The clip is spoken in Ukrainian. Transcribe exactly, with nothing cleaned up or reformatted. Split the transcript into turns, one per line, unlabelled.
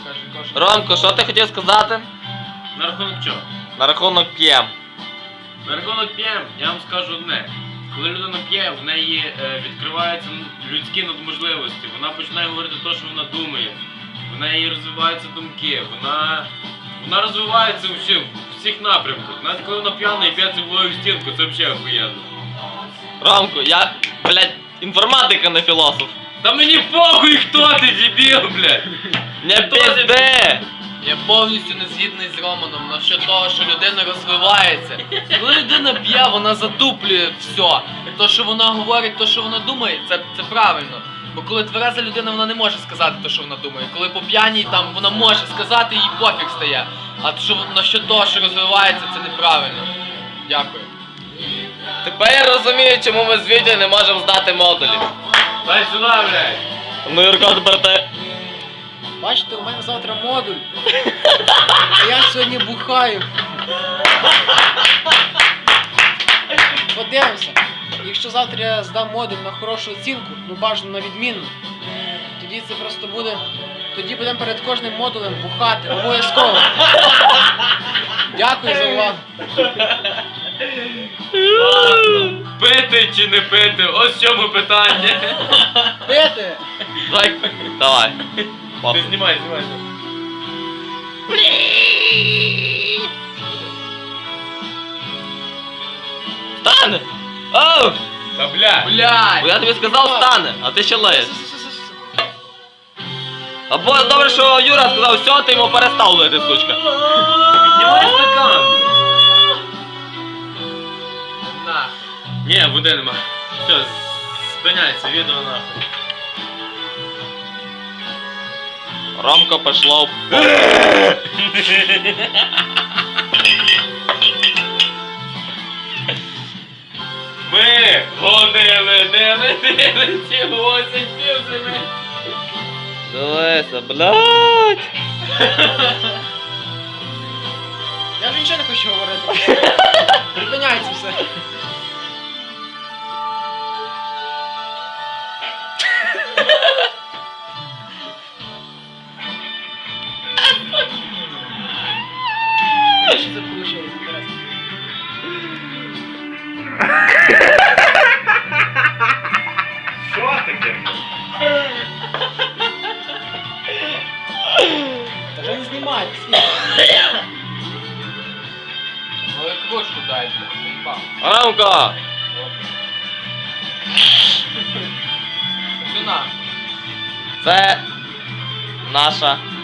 Ромко, що ти хотів сказати?
На рахунок чого?
На рахунок п'єм.
На рахунок п'єм, я вам скажу одне. Коли людина п'є, в неї е, відкриваються людські надможливості. Вона починає говорити те, що вона думає. В неї розвиваються думки. Вона, вона розвивається у всіх, у всіх напрямках. Навіть коли вона п'яна і п'є цеглою в стінку, це взагалі охуєнно.
Ромко, я, блядь, інформатика, не філософ.
Та мені похуй, хто ти, дебіл, блядь!
Не пізди!
Я повністю не згідний з Романом насчет того, що людина розвивається. Коли людина п'є, вона затуплює все. То, що вона говорить, то, що вона думає, це, це правильно. Бо коли твереза людина, вона не може сказати те, що вона думає. Коли по п'яній, там вона може сказати, їй пофіг стає. А що насчет того, що розвивається, це неправильно. Дякую.
Тепер я розумію, чому ми з Вітєю не можемо здати модулі.
Дай сюди, блядь!
Ну, Юрко, тепер ти.
Бачите, у мене завтра модуль. А я сьогодні бухаю. Подивимося. Якщо завтра я здам модуль на хорошу оцінку, ну бажано на відмінну, тоді це просто буде... Тоді будемо перед кожним модулем бухати. Обов'язково. Дякую за увагу.
Пити чи не пити? Ось в чому питання.
Пити!
Давай. Давай.
Ти знімай, знімай.
Стане! Оу!
Та бля!
Блядь!
Бо я тобі сказав стане, а ти ще леєш. Або добре, що Юра сказав, все, ти йому перестав лити, сучка.
Піднімай стакан!
На.
Ні, води нема. Все, спиняйся, відео нахуй.
Ромко пішло в
Ми гонили, не летили ці осінь півзими.
Дивися, блядь.
Я вже нічого не хочу говорити. Припиняється все. Що це вийшло? Інтересно.
Що таке?
Та вже не знімайте.
Ну і кружку дайте. Заїбав.
Ромко!
Сюна.
Це наша